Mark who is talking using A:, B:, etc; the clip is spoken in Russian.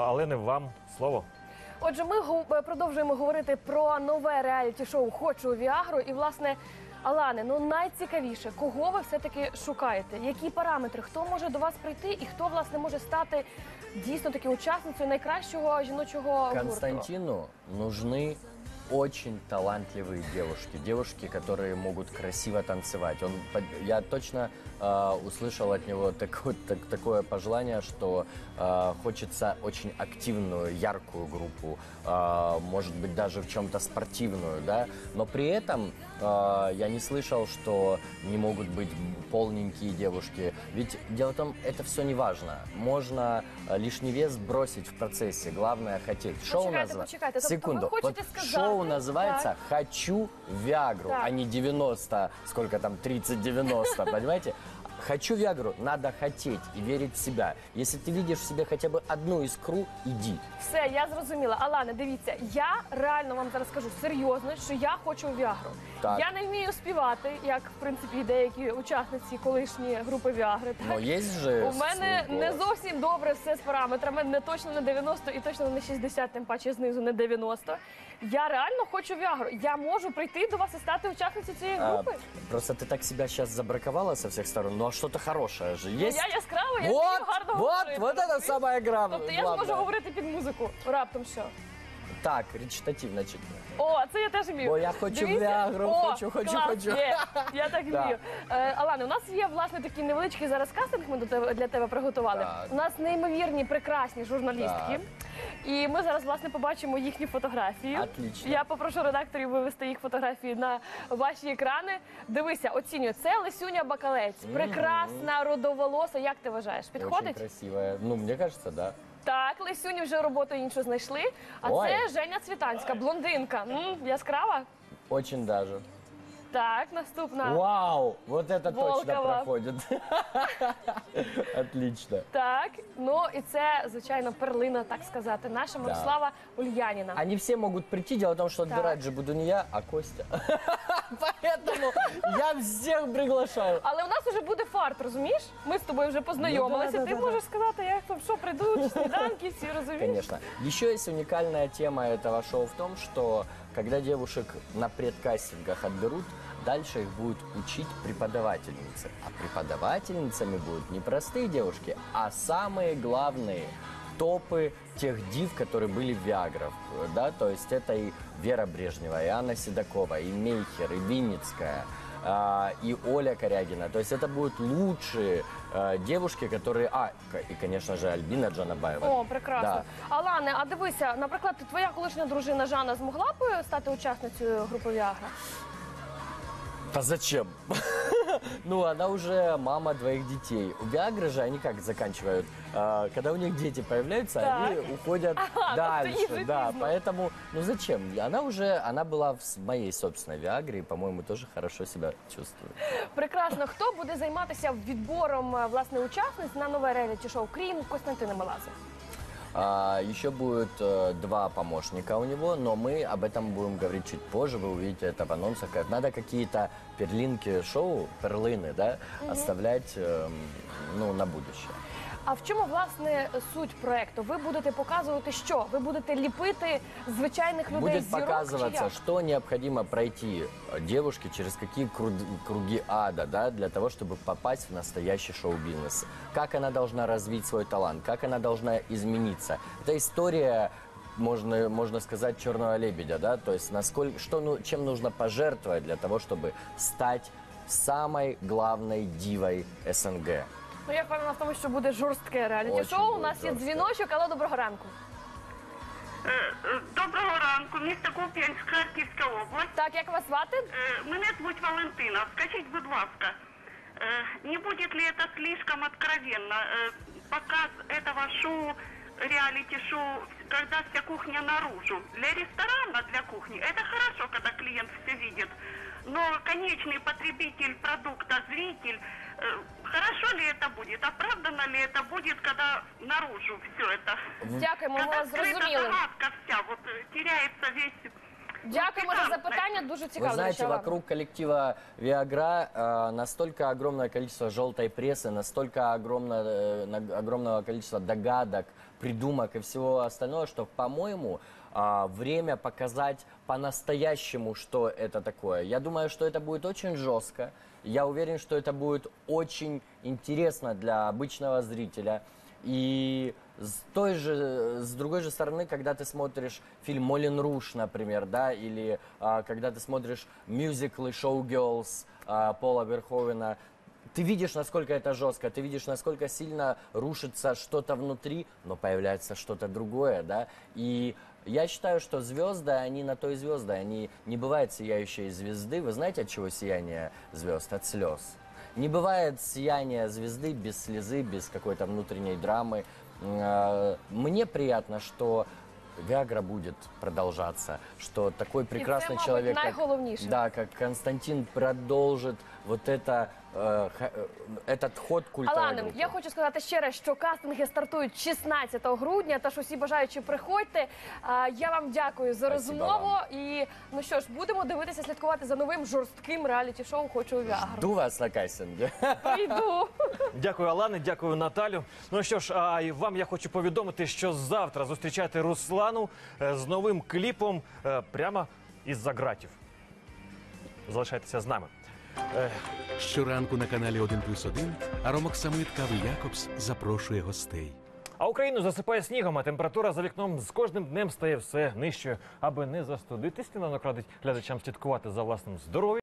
A: Алини, вам слово.
B: Отже, ми продовжуємо говорити про нове реаліті-шоу «Хочу Віагру». І, власне, Алане, найцікавіше, кого ви все-таки шукаєте? Які параметри? Хто може до вас прийти і хто, власне, може стати дійсно таки учасницею найкращого жіночого гурту?
C: Константину нужны очень талантливые девушки. Девушки, которые могут красиво танцевать. Я точно услышал от него такое пожелание, что хочется очень активную, яркую группу, может быть, даже в чем-то спортивную, да? Но при этом я не слышал, что не могут быть полненькие девушки. Ведь дело в том, это все не важно. Можно лишний вес бросить в процессе. Главное хотеть. Шоу
B: Почекайте.
C: Секунду.
B: Ви хочете сказати?
C: Шоу называется «Хочу Виагру»,
B: так,
C: а не 90, сколько там, 30-90, понимаете? «Хочу Виагру» надо хотеть и верить в себя. Если ты видишь в себе хотя бы одну искру, иди.
B: Все, я зрозуміла. Алане, дивіться, я реально вам зараз скажу серйозно, що я хочу Віагру.
C: Так.
B: Я не вмію співати, як, в принципі, деякі учасниці колишні групи Віагри.
C: Но есть же
B: У мене
C: свой
B: не
C: голос.
B: зовсім добре все з параметрами, не точно на 90 і точно не 60, тим паче знизу не 90. Я реально хочу Віагру. Я можу прийти до вас і стати учасницею цієї групи?
C: Просто ты так себя сейчас забраковала со всех сторон, ну а что-то хорошее же есть.
B: Я яскрава, я вмію гарно говорити.
C: Вот это самая главная.
B: Тобто я зможу говорити під музику раптом що?
C: Так, речитативно чуть.
B: О, це я теж вмію.
C: Бо я хочу
B: Дивіться.
C: Віагру,
B: О,
C: хочу.
B: клас, є. Я так
C: Да.
B: вмію. Алане, у нас є, власне, такий невеличкий зараз кастинг, ми для тебе приготували.
C: Так.
B: У нас неймовірні, прекрасні журналістки.
C: Так.
B: І ми зараз, власне, побачимо їхні фотографії.
C: Отлично.
B: Я попрошу редакторів вивести їх фотографії на ваші екрани. Дивися, оцінюю. Це Лесюня Бакалець. Прекрасна, родоволоса. Як ти вважаєш?
C: Очень
B: Підходить?
C: красивая. Ну, мне кажется, да.
B: Так, Лесюні вже роботу іншу знайшли. А
C: Ой.
B: це Женя Цвітанська, блондинка. Яскрава?
C: Очень даже.
B: Так, наступна.
C: Вау! Вот это точно
B: Волкова.
C: проходит. Отлично.
B: Так, і це, звичайно, перлина, так сказати, наша Мирослава Ульяніна.
C: Они все могут прийти, дело в том, что
B: Так.
C: отбирать же буду не я, а Костя. Поэтому я всех приглашаю.
B: Але у нас вже буде фарт, розумієш? Ми з тобою вже познайомилися.
C: Ну, да,
B: Ти
C: да,
B: можеш сказати, як там, що прийдуть, сніданки, всі розумієш?
C: Конечно. Еще есть уникальная тема этого шоу в том, что когда девушек на предкастингах отберут, дальше их будут учить преподавательницы. А преподавательницами будут не простые девушки, а самые главные топы тех див, которые были в Виаграх. Да? То есть это и Вера Брежнева, и Анна Седокова, и Мейхер, и Винницкая, и Оля Корягина. То есть это будут лучшие девушки, которые... и, конечно же, Альбина Джанабаева.
B: О, прекрасно.
C: Да.
B: Алане, а дивися, наприклад, твоя колишня дружина Жанна змогла б стати учасницею групи Віагра?
C: А зачем? Ну, она уже мама двоих детей. У Виагры же они как заканчивают? Когда у них дети появляются,
B: Так.
C: они уходят
B: тобто
C: дальше.
B: їй вже
C: Да,
B: пізно.
C: поэтому, ну зачем? Она была в моей собственной Виагре и, по-моему, тоже хорошо себя чувствует.
B: Прекрасно. Хто буде займатися відбором, власне, учасниць на нове реаліті-шоу, крім Костянтина Меладзе?
C: Еще будет 2 помощника у него, но мы об этом будем говорить чуть позже, вы увидите это в анонсах. Надо какие-то перлинки шоу, перлины, да, оставлять на будущее.
B: А в чому, власне, суть проекту? Ви будете показувати що? Ви будете ліпити звичайних людей
C: Будет
B: з зірок, чи
C: показываться,
B: як?
C: что необходимо пройти девушке, через какие круги ада, да, для того, чтобы попасть в настоящий шоу-бизнес. Как она должна развить свой талант, как она должна измениться. Это история, можно сказать, черного лебедя, да, то есть чем нужно пожертвовать для того, чтобы стать самой главной дивой СНГ.
B: Ну, я впевнена в тому, що буде жорстке реаліті-шоу.
C: Очень
B: У
C: буде
B: нас є
C: жорстке.
B: дзвіночок, але доброго ранку.
D: Доброго ранку, місто Куп'янськ, Харківська область.
B: Так, як вас звати?
D: Мене звуть Валентина. Скажіть, будь ласка, не будет ли это слишком откровенно? Показ этого шоу, реалити-шоу, когда вся кухня наружу. Для ресторана, для кухни, это хорошо, когда клиент все видит. Но конечный потребитель продукта, зритель, хорошо ли это будет? Оправдано ли это будет, когда наружу все это?
B: Дякуємо, ми
D: Когда
B: вас
D: скрыта
B: зрозуміли.
D: загадка вся, вот теряется весь
B: Дякуємо за запитання, дуже цікаво.
C: Вы знаете,
B: до речі, Алана.
C: вокруг коллектива Viagra настолько огромное количество желтой прессы, настолько огромного количества догадок, придумок и всего остального, что, по-моему, время показать по-настоящему, что это такое. Я думаю, что это будет очень жестко. Я уверен, что это будет очень интересно для обычного зрителя. И с другой же стороны, когда ты смотришь фильм «Молен Руж», например, да, или когда ты смотришь мюзиклы «Шоу-герлз» Пола Верховена, ты видишь, насколько это жестко, ты видишь, насколько сильно рушится что-то внутри, но появляется что-то другое, да, и я считаю, что звезды, они на то и звезды, они не бывают сияющие звезды. Вы знаете, от чего сияние звезд? От слез. Не бывает сияния звезды без слезы, без какой-то внутренней драмы. Мне приятно, что Viagra будет продолжаться, что такой прекрасный
B: мабуть,
C: человек,
B: найголовніше.
C: как Константин, продолжит вот это, этот ход культовой
B: Алане,
C: группы.
B: я хочу сказати ще раз, що кастинги стартують 16 грудня, тож усі бажаючі приходьте. Я вам дякую за
C: Спасибо
B: розмову.
C: вам.
B: І, ну що ж, будемо дивитися, слідкувати за новим жорстким реаліті-шоу «Хочу Віагру».
C: Жду вас на кастинге.
B: Прийду.
A: Дякую, Алане, дякую, Наталю. Ну що ж, а і вам я хочу повідомити, що завтра зустрічайте Руслану з новим кліпом прямо із-за ґратів. Залишайтеся з нами.
E: Щоранку на каналі 1+1 Аромок Самит Кави Якобс запрошує гостей.
A: А Україну засипає снігом, а температура за вікном з кожним днем стає все нижчою. Аби не застудитись, сніданок радить глядачам слідкувати за власним здоров'ям.